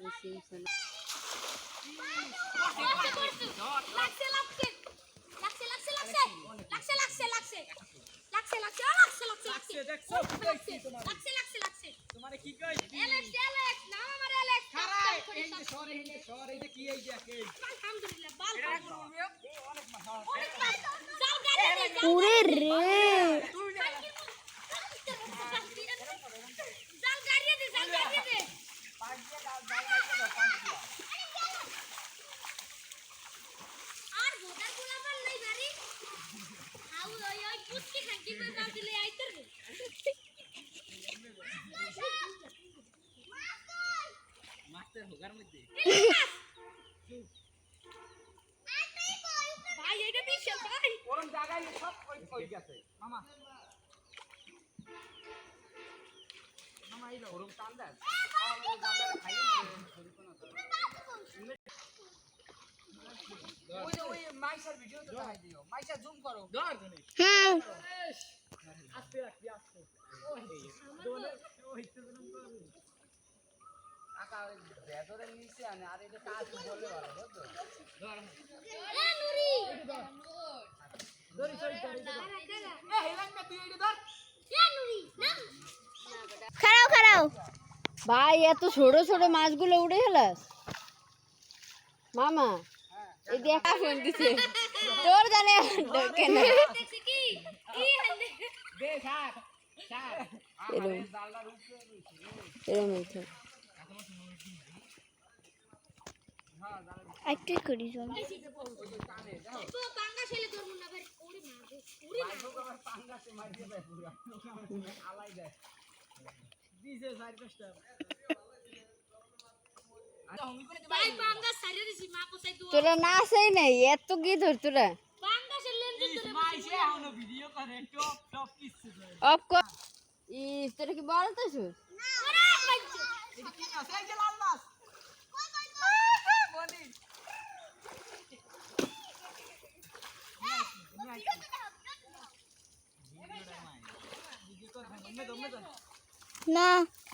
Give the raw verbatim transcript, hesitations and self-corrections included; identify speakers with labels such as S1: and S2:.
S1: পুরে রে খারাও খারাও ভাই এত ছোট ছোট মাছগুলো উড়ে গেলাস মামা এই দেখা ফোন দিছে তোর জানে কেন একটু করি চল তোরা না আসেই নাই এত কি ধর তোরা অফ কর ইস তোরা কি বলতেছ না